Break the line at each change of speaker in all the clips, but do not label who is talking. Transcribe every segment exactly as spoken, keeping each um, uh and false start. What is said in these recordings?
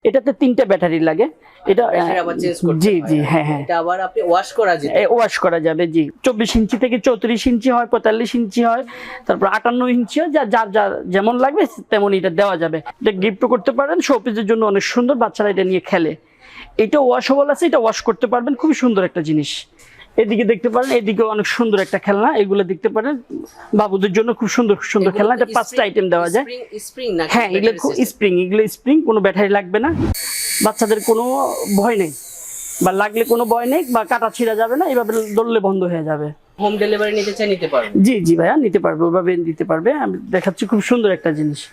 এটাতে তিনটা ব্যাটারি লাগে। এটা জি জি হ্যাঁ হ্যাঁ
এটা আবার আপনি ওয়াশ করা যাবে,
ওয়াশ করা যাবে জি। চব্বিশ ইঞ্চি থেকে চৌত্রিশ ইঞ্চি হয়, পঁয়তাল্লিশ ইঞ্চি হয়, তারপর আটান্ন ইঞ্চি হয়, যা যার যার যেমন লাগবে তেমন এটা দেওয়া যাবে। এটা গিফট করতে পারেন, শোপিসের জন্য অনেক সুন্দর, বাচ্চারা এটা নিয়ে খেলে। এটা ওয়াশেবল আছে, এটা ওয়াশ করতে পারবেন, খুবই সুন্দর একটা জিনিস। এদিকে দেখতে পারেন, এদিকে অনেক সুন্দর একটা খেলনা, এগুলো দেখতে পারেন বাবুদের জন্য খুব সুন্দর সুন্দর খেলনা। এটা পাঁচটা আইটেম দেওয়া যায়। হ্যাঁ এগুলো স্প্রিং, এগুলো স্প্রিং, কোনো ব্যাটারি লাগবে না, বাচ্চাদের কোনো ভয় নেই, বা লাগলে কোনো ভয় নেই, বা কাটা ছিঁড়া যাবে না, এইভাবে দললে বন্ধ হয়ে যাবে।
হোম ডেলিভারি নিতে চাই নিতে পারবে?
জি জি ভাইয়া নিতে পারবে, ওইভাবে নিতে পারবে। আমি দেখাচ্ছি, খুব সুন্দর একটা জিনিস।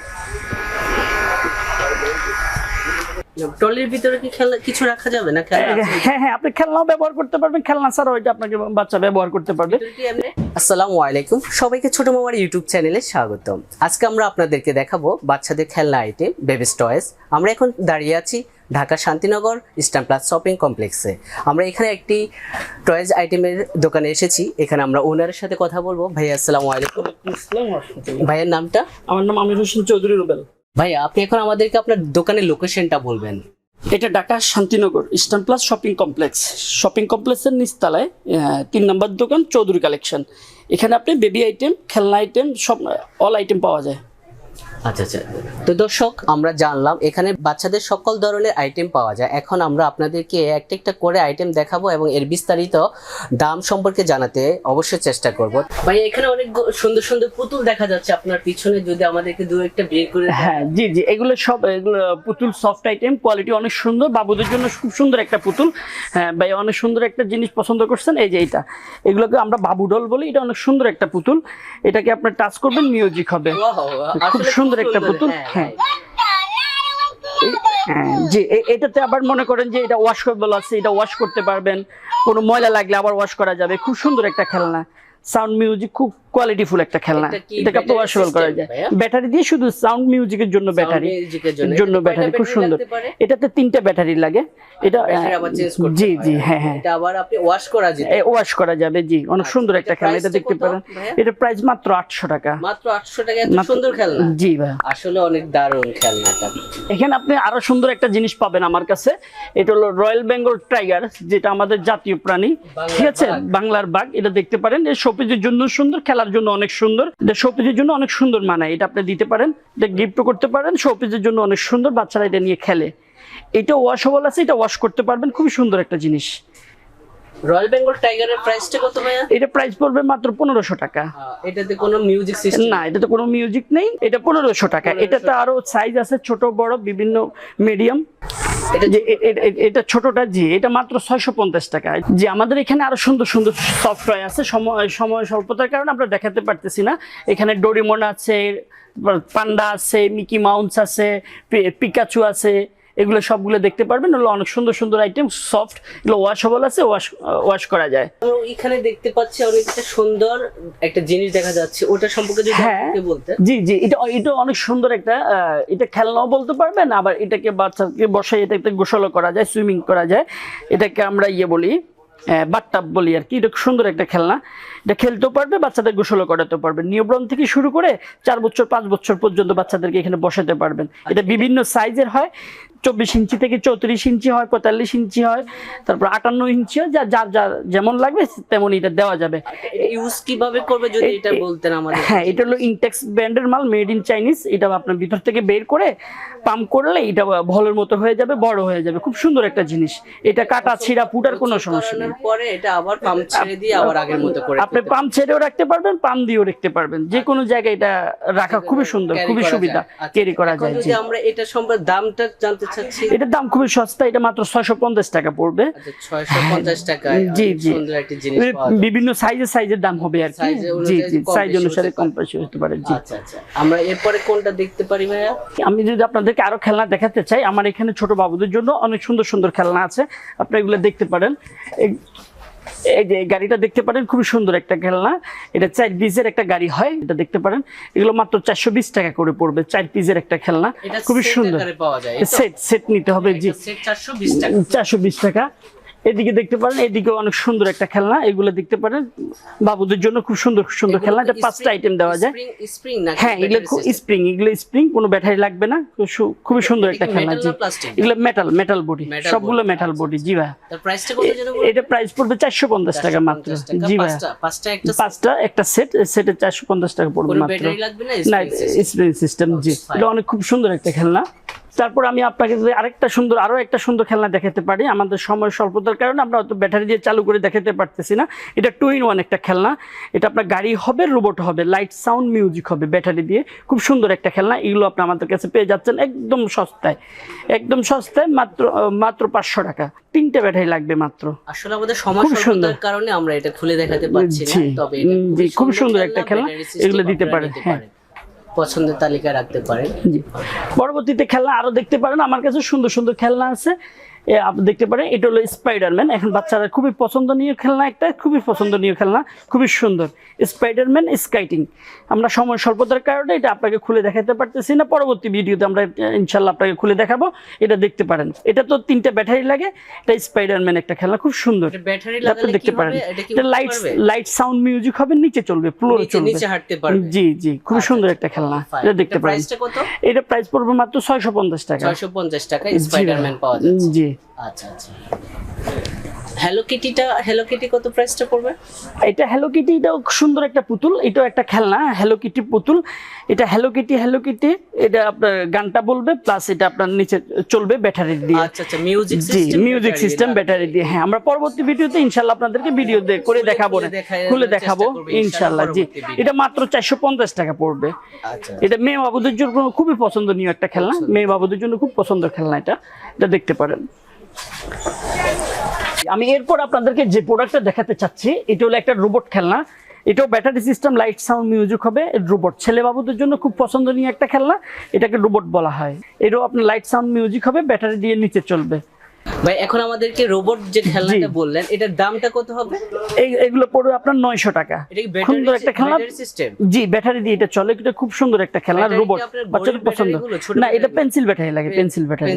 ট্রলির ভিতরে কি খেলনা কিছু রাখা যাবে না?
হ্যাঁ হ্যাঁ আপনি খেলনাও ব্যবহার করতে পারবেন, খেলনা ছাড়াও এটা আপনাকে বাচ্চা ব্যবহার করতে পারবে।
আসসালামু আলাইকুম, সবাইকে ছোট মামার ইউটিউব চ্যানেলে স্বাগতম। আজকে আমরা আপনাদেরকে দেখাবো বাচ্চাদের খেলনা আইটেম, বেবিস টয়েস। আমরা এখন দাঁড়িয়ে আছি Dhaka Shantinagar Eastern Plus shopping কমপ্লেক্সে। আমরা এখানে একটি টয়েস আইটেমের দোকানে এসেছি। এখানে আমরা ওনারের সাথে কথা বলবো। ভাইয়া আসসালামু আলাইকুম। ভাইয়ের নামটা?
আমার নাম আমির হোসেন চৌধুরী রুবেল।
ভাইয়া আপনি এখন আমাদেরকে আপনার দোকানের লোকেশনটা বলবেন।
এটা Dhaka Shantinagar Eastern Plus shopping complex. Shopping কমপ্লেক্সের নিচতলায় তিন নম্বর দোকান, চৌধুরী কালেকশন। এখানে আপনি বেবি আইটেম, খেলনা আইটেম, সব অল আইটেম পাওয়া যায়।
আচ্ছা আচ্ছা, তো দর্শক আমরা জানলাম এখানে বাচ্চাদের সকল ধরনের আইটেম পাওয়া যায়। এখন আমরা আপনাদেরকে একটা একটা করে আইটেম দেখাবো এবং এর বিস্তারিত দাম সম্পর্কে জানাতে অবশ্যই চেষ্টা করব। ভাই এখানে অনেক সুন্দর সুন্দর পুতুল দেখা যাচ্ছে আপনার পিছনে, যদি আমাদেরকে দু একটা বের করে।
হ্যাঁ জি জি, এগুলো সব এগুলো পুতুল, সফট আইটেম, কোয়ালিটি অনেক সুন্দর, বাবুদের জন্য খুব সুন্দর একটা পুতুল। হ্যাঁ ভাই অনেক সুন্দর একটা জিনিস পছন্দ করছেন, এই যে এটা, এগুলোকে আমরা বাবু ডল বলি। এটা অনেক সুন্দর একটা পুতুল, এটাকে আপনি টাচ করবেন মিউজিক হবে, খুব সুন্দর একটা পুতুল। হ্যাঁ জি, এটাতে আবার মনে করেন যে এটা ওয়াশ করবেল আছে, এটা ওয়াশ করতে পারবেন, কোনো ময়লা লাগলে আবার ওয়াশ করা যাবে। খুব সুন্দর একটা খেলনা, সাউন্ড মিউজিক, খুব কোয়ালিটিফুল একটা খেলনা। এটাকে আপনি ওয়াশেবল করা যায় ব্যাটারি দিয়ে, শুধু সাউন্ড মিউজিকের জন্য ব্যাটারি জন্য ব্যাটারি, খুব সুন্দর। এটাতে তিনটা ব্যাটারি লাগে। এটা জি জি হ্যাঁ হ্যাঁ,
এটা আবার আপনি ওয়াশ করা যাবে,
ওয়াশ করা যাবে জি। অনেক সুন্দর একটা খেলনা, এটা দেখতে পারেন। এটা প্রাইস মাত্র আটশো টাকা।
মাত্র আটশো টাকা, এত সুন্দর খেলনা।
জি ভাই
আসলে অনেক দারুণ খেলনাটা।
এখানে আপনি আরো সুন্দর একটা জিনিস পাবেন আমার কাছে। এটা হলো রয়্যাল বেঙ্গল টাইগার, যেটা আমাদের জাতীয় প্রাণী, ঠিক আছে, বাংলার বাঘ। এটা দেখতে পারেন, এটা শোপিসের জন্য সুন্দর, খেলার জন্য অনেক সুন্দর। এটা শোপিসের জন্য অনেক সুন্দর মানায়, এটা আপনি দিতে পারেন, এটা গিফট করতে পারেন, শোপিসের জন্য অনেক সুন্দর, বাচ্চারা এটা নিয়ে খেলে। এটা ওয়াশেবল আছে, এটা ওয়াশ করতে পারবেন, খুবই সুন্দর একটা জিনিস।
রয়্যাল বেঙ্গল টাইগারের প্রাইসটা কত ভাইয়া?
এটা প্রাইস পড়বে মাত্র পনেরোশো টাকা।
এটাতে কোনো মিউজিক সিস্টেম
না, এটাতে কোনো মিউজিক নেই, এটা পনেরোশো টাকা। এটাতে আরো সাইজ আছে, ছোট বড় বিভিন্ন মিডিয়াম। এটা ছোটটা জি, এটা মাত্র ছয়শো পঞ্চাশ টাকা। জি আমাদের এখানে আরো সুন্দর সুন্দর সফটওয়্যার আছে, সময় সময় স্বল্পতার কারণে আমরা দেখাতে পারতেছি না। এখানে ডোরিমন আছে, পান্ডা আছে, মিকি মাউস আছে, পিকাচু আছে, এগুলো সবগুলো দেখতে পারবেন। এগুলো অনেক সুন্দর সুন্দর আইটেম, সফট, এগুলো ওয়াশেবল আছে, ওয়াশ ওয়াশ করা যায়।
এখানে দেখতে পাচ্ছি অনেকটা সুন্দর একটা জিনিস দেখা যাচ্ছে, ওটা সম্পর্কে যদি আপনি বলতেন।
জি জি, এটা এটা অনেক সুন্দর একটা, এটা খেলনাও বলতে পারবেন, আবার এটাকে বাচ্চাকে বসাই এটাতে গোসলও করা যায়, সুইমিং করা যায়। এটাকে আমরা ইয়ে বলি, বাথটাব বলি আর কি। এটা সুন্দর একটা খেলনা, এটা খেলতেও পারবে, বাচ্চাদের গোসলও করাতে পারবে। নিউবর্ন থেকে শুরু করে চার বছর পাঁচ বছর পর্যন্ত বাচ্চাদেরকে এখানে বসাতে পারবেন। এটা বিভিন্ন সাইজের হয়, চব্বিশ ইঞ্চি থেকে চৌত্রিশ ইঞ্চি হয়, পঁয়তাল্লিশ ইঞ্চি হয়, তারপর আটান্ন ইঞ্চি হয়, যা যার যার যেমন লাগবে তেমন এটা দেওয়া যাবে।
ইউজ কিভাবে করবে যদি এটা বলতেন আমাদের।
হ্যাঁ এটা হলো ইনটেক্স ব্র্যান্ডের মাল, মেড ইন চাইনিজ। এটা আপনার ভিতর থেকে বের করে পাম্প করলে এটা ভলের মতো হয়ে যাবে, বড় হয়ে যাবে, খুব সুন্দর একটা জিনিস। এটা কাটা ছিঁড়া ফুটার কোনো সমস্যা নেই।
পরে এটা আবার পাম্প ছেড়ে দিয়ে আবার আগের মতো করে
আপনি পাম্প ছেড়েও রাখতে পারবেন, পাম্প দিয়েও রাখতে পারবেন, যে কোনো জায়গায় এটা রাখা খুবই সুন্দর, খুবই সুবিধা, ক্যারি করা যায়।
যদি আমরা এটা সম্পর্কে দামটা জানতে চাচ্ছি।
এটার দাম খুবই সস্তা, এটা মাত্র ছয়শো পঞ্চাশ টাকা পড়বে।
ছয়শো পঞ্চাশ টাকা।
জি জি,
সুন্দর একটা জিনিস,
বিভিন্ন সাইজের সাইজের দাম হবে আর কি। জি জি, সাইজ অনুসারে কম বেশি হতে পারে। জি
আচ্ছা আচ্ছা, আমরা এরপরে কোনটা দেখতে পারি ভাইয়া?
আমি যদি আপনাদেরকে আরো খেলনা দেখাতে চাই, আমার এখানে ছোট বাবুদের জন্য অনেক সুন্দর সুন্দর খেলনা আছে, আপনারা এগুলো দেখতে পারেন। এই যে গাড়িটা দেখতে পারেন, খুবই সুন্দর একটা খেলনা। এটা চার পিসের একটা গাড়ি হয়, এটা দেখতে পারেন। এগুলো মাত্র চারশো বিশ টাকা করে পড়বে, চার পিসের একটা খেলনা, খুবই সুন্দর। সেট সেট নিতে হবে জি, চারশো বিশ টাকা। এদিকে দেখতে পারেন, এদিকে অনেক সুন্দর একটা খেলনা, এগুলো দেখতে পারেন বাবুদের জন্য খুব সুন্দর সুন্দর খেলনা। এটা পাঁচটা আইটেম দেওয়া যায়।
স্প্রিং না?
হ্যাঁ, এগুলো স্প্রিং, এগুলো স্প্রিং, কোনো ব্যাটারি লাগবে না, খুবই সুন্দর একটা খেলনা। জি, এগুলো মেটাল মেটাল বডি, সবগুলো মেটাল বডি। জি ভাই,
তার প্রাইসটা কত জানো?
এটা প্রাইস পড়বে চারশো পঞ্চাশ টাকা মাত্র। জি ভাই,
পাঁচটা একটা
পাঁচটা একটা সেট, সেটে চারশো পঞ্চাশ টাকা পড়বে মাত্র।
ব্যাটারি লাগবে না,
না, স্প্রিং সিস্টেম। জি, এটা অনেক খুব সুন্দর একটা খেলনা। তারপর আমি আপনাকে যদি আরেকটা সুন্দর আরো একটা সুন্দর খেলনা দেখাতে পারি, আমাদের সময় স্বল্পতার কারণে আমরা হয়তো ব্যাটারি দিয়ে চালু করে দেখাতে পারতেছি না। এটা টু ইন ওয়ান একটা খেলনা। এটা আপনার গাড়ি হবে, রোবট হবে, লাইট সাউন্ড মিউজিক হবে ব্যাটারি দিয়ে। খুব সুন্দর একটা খেলনা। এগুলো আপনি আমাদের কাছে পেয়ে যাচ্ছেন একদম সস্তায়, একদম সস্তায়, মাত্র মাত্র পাঁচশো টাকা। তিনটে ব্যাটারি লাগবে মাত্র।
আসলে আমাদের সময় স্বল্পতার কারণে আমরা এটা খুলে দেখাতে পারছি না, তবে এটা
খুব সুন্দর একটা খেলনা। এগুলো দিতে পারেন, হ্যাঁ,
পছন্দের তালিকায় রাখতে পারেন।
জি, পরবর্তীতে খেলনা আরো দেখতে পারেন, আমার কাছে সুন্দর সুন্দর খেলনা আছে, আপনি দেখতে পারেন। এটা হলো স্পাইডারম্যান, এখন বাচ্চারা খুবই পছন্দনীয় খেলনা, একটা খুবই পছন্দনীয় খেলনা, খুবই সুন্দর স্পাইডারম্যান স্কাইটিং। আমরা সময় স্বল্পতার কারণে এটা আপনাকে খুলে দেখাতে পারতেছি না, পরবর্তী ভিডিওতে আমরা ইনশাল্লাহ আপনাকে খুলে দেখাবো। এটা দেখতে পারেন, এটা তো তিনটা ব্যাটারি লাগে। এটা স্পাইডারম্যান একটা খেলনা, খুব সুন্দর।
ব্যাটারি লাগালে
দেখতে পারেন, এটা লাইট লাইট সাউন্ড মিউজিক হবে, নিচে চলবে, ফ্লোরে চলবে,
নিচে হাঁটতে পারবে।
জি জি, খুব সুন্দর একটা খেলনা। এটা দেখতে পারেন। এটা প্রাইস পড়বে মাত্র ছয়শো পঞ্চাশ টাকা।
ছয়শো পঞ্চাশ টাকা স্পাইডারম্যান পাওয়া যাচ্ছে।
জি,
আচ্ছা আচ্ছা। হ্যালো কিটিটা, হ্যালো কিটি কত প্রাইসটা পড়বে?
এটা হ্যালো কিটি, এটাও সুন্দর একটা পুতুল, এটাও একটা খেলনা, হ্যালো কিটি পুতুল। এটা হ্যালো কিটি, হ্যালো কিটি, এটা আপনার গানটা বলবে, প্লাস এটা আপনার নিচে চলবে ব্যাটারি দিয়ে।
আচ্ছা আচ্ছা, মিউজিক
সিস্টেম। জি, মিউজিক সিস্টেম ব্যাটারি দিয়ে। হ্যাঁ, আমরা পরবর্তী ভিডিওতে ইনশাআল্লাহ আপনাদেরকে ভিডিও করে দেখাবো, খুলে দেখাবো ইনশাআল্লাহ। জি, এটা মাত্র চারশো পঞ্চাশ টাকা পড়বে।
আচ্ছা,
এটা মেয়ে বাবুদের জন্য খুবই পছন্দনীয় একটা খেলনা, মেয়ে বাবুদের জন্য খুব পছন্দের খেলনা। এটা এটা দেখতে পারেন। আমি এরপর আপনাদেরকে যে প্রোডাক্টটা দেখাতে চাচ্ছি, এটা হলো একটা রোবট খেলনা। এটাও battery system, light sound music হবে, রোবট। ছেলে বাবুদের জন্য খুব পছন্দনীয় একটা খেলনা, এটাকে রোবট বলা হয়। এটাও আপনার লাইট সাউন্ড মিউজিক হবে, ব্যাটারি দিয়ে নিচে চলবে।
ভাই, এখন আমাদেরকে রোবট যে খেলনাটা বললেন, এটার দামটা কত হবে?
এই এগুলো পড়বে আপনার নয়শো টাকা। সুন্দর একটা খেলনা। জি, ব্যাটারি দিয়ে এটা চলে। এটা খুব সুন্দর একটা খেলনা, রোবট, বাচ্চাদের পছন্দ। না, এটা পেন্সিল ব্যাটারি লাগে, পেন্সিল ব্যাটারি।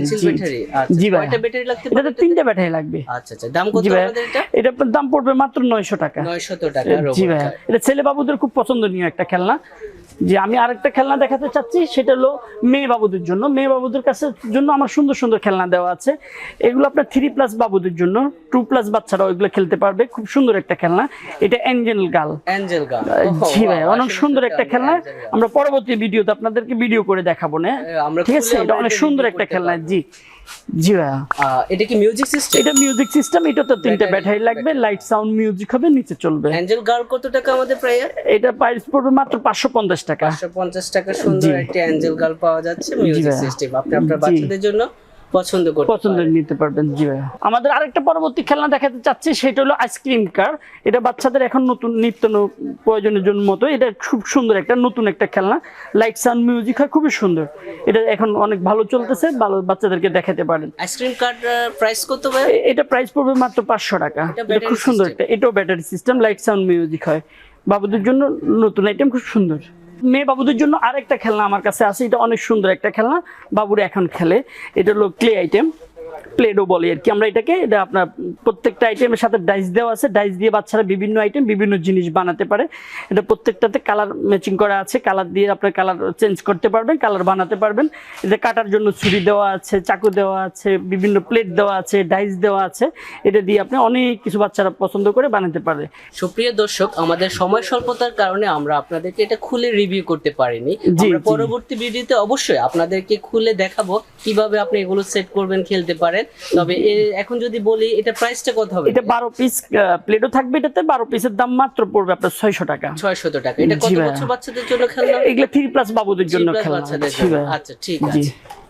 জি ভাই,
কয়টা ব্যাটারি লাগবে?
এটা তিনটা ব্যাটারি লাগবে।
আচ্ছা আচ্ছা, দাম কত আমাদের এটা?
এটা দাম পড়বে মাত্র নয়শো টাকা।
নয়শো টাকা রোবট।
জি ভাই, এটা ছেলে বাবুদের খুব পছন্দনীয় একটা খেলনা। যে আমি আরেকটা খেলনা দেখাতে চাচ্ছি, সেটা হলো মেয়ে বাবুদের জন্য। মেয়ে বাবুদের কাছে জন্য আমার সুন্দর সুন্দর খেলনা দেওয়া আছে। এগুলো আপনার থ্রি প্লাস বাবুদের জন্য, টু প্লাস বাচ্চারাও এগুলো খেলতে পারবে। খুব সুন্দর একটা খেলনা, এটা অ্যাঞ্জেল গার্ল।
অ্যাঞ্জেল গার্ল,
জি ভাই, অনেক সুন্দর একটা খেলনা। আমরা পরবর্তী ভিডিওতে আপনাদেরকে ভিডিও করে দেখাবো না, ঠিক আছে? এটা অনেক সুন্দর একটা খেলনা। জি জি ভাই,
এটা কি মিউজিক সিস্টেম?
এটা মিউজিক সিস্টেম। এটা তো তিনটা ব্যাটারি লাগবে, লাইট সাউন্ড মিউজিক হবে, নিচে চলবে।
অ্যাঞ্জেল গার্ল কত টাকা আমাদের প্রায়?
এটা প্রাইস পড়বে মাত্র পাঁচশো পঞ্চাশ টাকা।
পাঁচশো পঞ্চাশ টাকা সুন্দর একটা অ্যাঞ্জেল গার্ল পাওয়া যাচ্ছে, মিউজিক সিস্টেম। আপনি আপনার বাচ্চাদের জন্য পছন্দ করতে
পছন্দ নিতে পারবেন। জি ভাই, আমাদের আরেকটা পরবর্তী খেলনা দেখাতে চাচ্ছি, সেটা হলো আইসক্রিম কার। এটা বাচ্চাদের এখন নতুন নিত্য প্রয়োজনের জন্য মতো, এটা খুব সুন্দর একটা নতুন একটা খেলনা, লাইট সাউন্ড মিউজিক হয়, খুবই সুন্দর। এটা এখন অনেক ভালো চলতেছে, ভালো, বাচ্চাদেরকে দেখাতে পারেন।
আইসক্রিম কার প্রাইস কত ভাই?
এটা প্রাইস পড়বে মাত্র পাঁচশো টাকা। এটা খুব সুন্দর একটা, এটাও battery system, light sound music হয়, বাবুদের জন্য নতুন আইটেম, খুব সুন্দর। মেয়ে বাবুদের জন্য আরেকটা খেলনা আমার কাছে আছে, এটা অনেক সুন্দর একটা খেলনা, বাবুরা এখন খেলে। এটা হলো ক্লে আইটেম, প্লেডো বলে আর কি আমরা এটাকে। এটা আপনার প্রত্যেকটা আইটেমের সাথে ডাইস দেওয়া আছে, ডাইস দিয়ে বাচ্চারা বিভিন্ন আইটেম, বিভিন্ন জিনিস বানাতে পারে। এটা প্রত্যেকটাতে কালার ম্যাচিং করা আছে, কালার দিয়ে আপনার কালার চেঞ্জ করতে পারবেন, কালার বানাতে পারবেন। এটা কাটার জন্য ছুরি দেওয়া আছে, চাকু দেওয়া আছে, বিভিন্ন প্লেট দেওয়া আছে, ডাইস দেওয়া আছে। এটা দিয়ে আপনি অনেক কিছু বাচ্চারা পছন্দ করে বানাতে পারে।
সুপ্রিয় দর্শক, আমাদের সময় স্বল্পতার কারণে আমরা আপনাদেরকে এটা খুলে রিভিউ করতে পারিনি। আমরা পরবর্তী ভিডিওতে অবশ্যই আপনাদেরকে খুলে দেখাবো কিভাবে আপনি এগুলো সেট করবেন, খেলতে পারেন। তবে এখন যদি বলি, এটা প্রাইসটা কত হবে?
এটা বারো পিস প্লেটও থাকবে, এটাতে বারো পিসের দাম মাত্র পড়বে আপনার ছয়শো টাকা।
ছয়শো টাকা। এটা কত বছর বাচ্চাদের জন্য খেলনা?
এগুলো থ্রি প্লাস বাবুদের জন্য খেলনা।
আচ্ছা, ঠিক আছে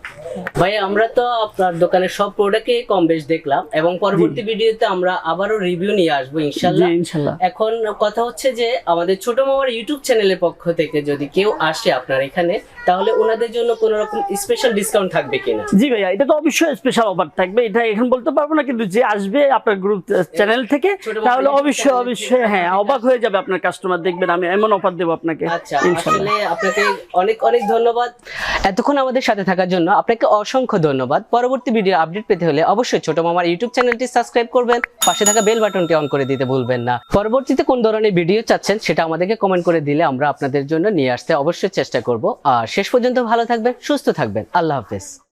ভাই, আমরা তো আপনার দোকানের সব প্রোডাক্টে কম বেশ দেখলাম, এবং পরবর্তী ভিডিওতে আমরা আবারও রিভিউ নিয়ে আসবো ইনশাআল্লাহ। এখন কথা হচ্ছে যে আমাদের ছোট মামার ইউটিউব চ্যানেলের পক্ষ থেকে যদি কেউ আসে আপনার এখানে, তাহলে ওনাদের জন্য কোনো রকম স্পেশাল ডিসকাউন্ট থাকবে কিনা?
জি ভাইয়া, এটা তো অবশ্যই স্পেশাল অফার থাকবে, এটা এখন বলতে পারবো না, কিন্তু যে আসবে আপনার গ্রুপ চ্যানেল থেকে
ছোট মামা
তাহলে
YouTube
অবশ্যই
channel
অবশ্যই
থেকে
হ্যাঁ অবাক হয়ে যাবে আপনার কাস্টমার, দেখবেন আমি এমন অফার দেবো আপনাকে
আচ্ছা,
ইনশাআল্লাহ।
আসলে আপনাকে অনেক অনেক ধন্যবাদ এতক্ষণ আমাদের সাথে থাকার জন্য। আপনাকে অসংখ্য ধন্যবাদ। পরবর্তী ভিডিও আপডেট পেতে হলে অবশ্যই ছোট মামার ইউটিউব চ্যানেলটি সাবস্ক্রাইব করবেন, পাশে থাকা বেল বাটনটি অন করে দিতে ভুলবেন না। পরবর্তীতে কোন ধরনের ভিডিও চাচ্ছেন সেটা আমাদেরকে কমেন্ট করে দিলে আমরা আপনাদের জন্য নিয়ে আসতে অবশ্যই চেষ্টা করব। আর শেষ পর্যন্ত ভালো থাকবেন, সুস্থ থাকবেন। আল্লাহ হাফেজ।